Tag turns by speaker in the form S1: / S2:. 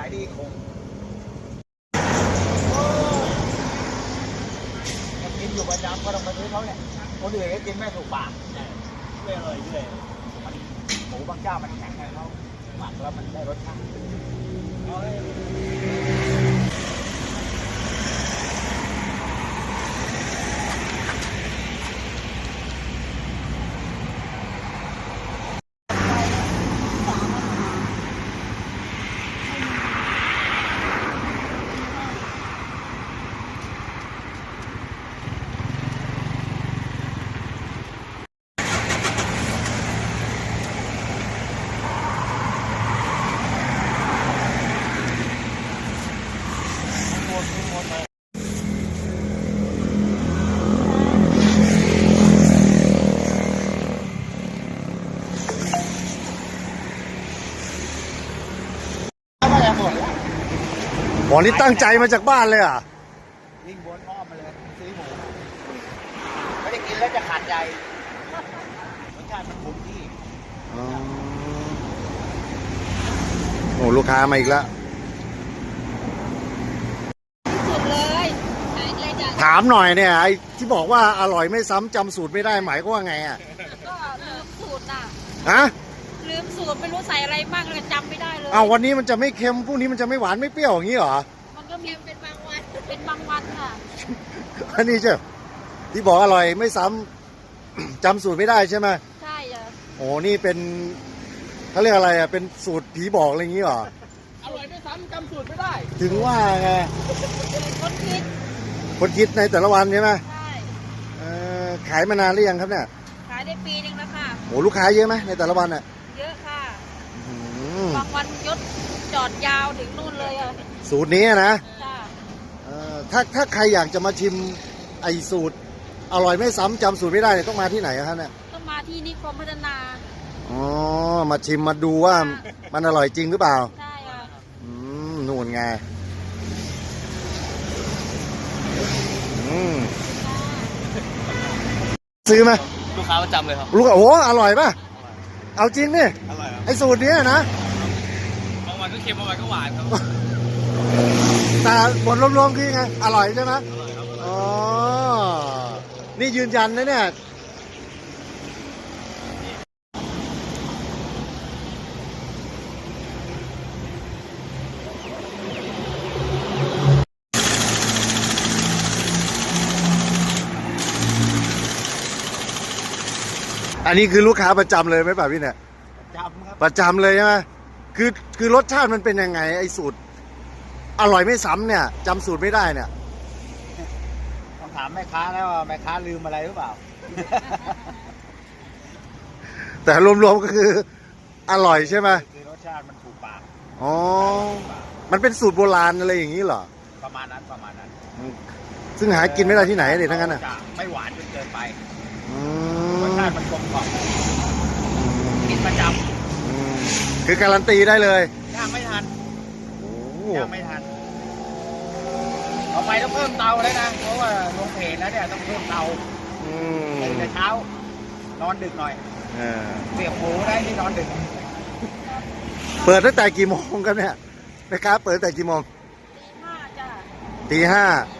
S1: ายดีคงกินอยู่ประจำก็ต้องมาซื้อเขาเนี่ยคนอื่นก็กินไม่ถูกปากไม่อร่อยด้วยมันหมูบางเจ้ามันแข็งไงเขาหมักแล้วมันได้รสชาติ
S2: หมอนี่ตั้งใจมาจากบ้านเลยอ่ะ
S1: วิ่งวนอ้อมมาเลยซื้อหมูไม่ได้กินแล้วจะขาดใจรสชาติมันคงที่
S2: โอ้ลูกค้ามาอีกแล้ว
S3: สุดเลย
S2: ถามหน่อยเนี่ยไอ้ที่บอกว่าอร่อยไม่ซ้ำจำสูตรไม่ได้หมายก็ว่าไงอ่ะ
S3: ก็ลืมสูตรน่ะ
S2: ฮะ
S3: ลืมสูตรไม่รู้ใส่อะไรบ้างเลยจำไม่ได้เลย
S2: เอาวันนี้มันจะไม่เค็มพรุ่งนี้มันจะไม่หวานไม่เปรี้ยวอย่างนี้เหรอ
S3: มันก็มีเป็นบางวันเป็นบางวันค่ะ
S2: อันนี้ใช่ที่บอกอร่อยไม่ซ้ำจำสูตรไม่ได้ใช่ไหม
S3: ใช่จ้ะ
S2: โอ้นี่เป็นเขาเรียกอะไรอ่ะเป็นสูตรผีบอกอะไรอย่างนี้เหรอ
S1: อร่อยไม่ซ้ำจำสูตรไม่ได้
S2: ถึงว่าไง
S3: คนคิด
S2: ในแต่ละวันใช่ไหม
S3: ใช่
S2: ขายมานานหรือยังครับเนี่ย
S3: ขายได้ปีนึงแล้วค่ะ
S2: โอ้ลูกค้าเยอะไหมในแต่ละวันอ่ะ
S3: เยอะค่ะบางวันยศจอดยาวถึงนู่นเลยอ่ะ
S2: สูตรนี้นะ
S3: จ้ะ
S2: ถ้าใครอยากจะมาชิมไอสูตรอร่อยไม่ซ้ำจำสูตรไม่ได้เนี่ยต้องมาที่ไหนครับเนี่ย
S3: ต้องมาที่นิคมพัฒนา
S2: อ๋อมาชิมมาดูว่ามันอร่อยจริงหรือเปล่า
S3: ใช่ค่ะ
S2: นู่นไงซื้อไหม
S1: ลูกค้าประจำเลยครับ
S2: ลูกโอ้อร่อยป่ะเอาจริงนี่
S1: อร่อยครับ
S2: ไอสูตรนี้นะ
S1: บางวันก็เค็มบางวันก็หวานครับ
S2: แต่บทรวมๆคือไงอร่อยใช่ไหม
S1: อร่อยครับ
S2: อ๋อนี่ยืนยันนะเนี่ยอันนี้คือลูกค้าประจำเลยไหมป่ะพี่เนี่ย
S1: ประจำครับ
S2: ประจำเลยใช่ไหมคือรสชาติมันเป็นยังไงไอ้สูตรอร่อยไม่ซ้ำเนี่ยจำสูตรไม่ได้เนี่ย
S1: ต้องถามแม่ค้าแล้วว่าแม่ค้าลืมอะไรหรือเปล่า
S2: แต่รวมๆก็คืออร่อยใช่ไหม
S1: คือรสชาติมันถูกปาก
S2: อ๋อมันเป็นสูตรโบราณอะไรอย่างนี้เหรอ
S1: ประมาณนั้น
S2: ซึ่งหากินไม่ได้ที่ไหนเลยทั้งนั้นอ่ะ
S1: ไม่หวานจนเกินไปรสชาติมันกลมกล่อมกินประจ
S2: ำคือการันตีได้เลย
S1: ย่างไม่ทันย่างไม่ทันต่อไปต้องเพิ่มเตาแล้วนะเพราะว่าลงเพจแล้วเนี่ยต้องเพิ่มเตาตื่นแต่เช้านอนดึกหน่อยเสียบหมูได้ที่นอนดึก
S2: เปิดตั้งแต่กี่โมงกันเนี่ยแม่ค้าเปิดแต่กี่โมง
S3: ตี 5จ้ะ
S2: ตี 5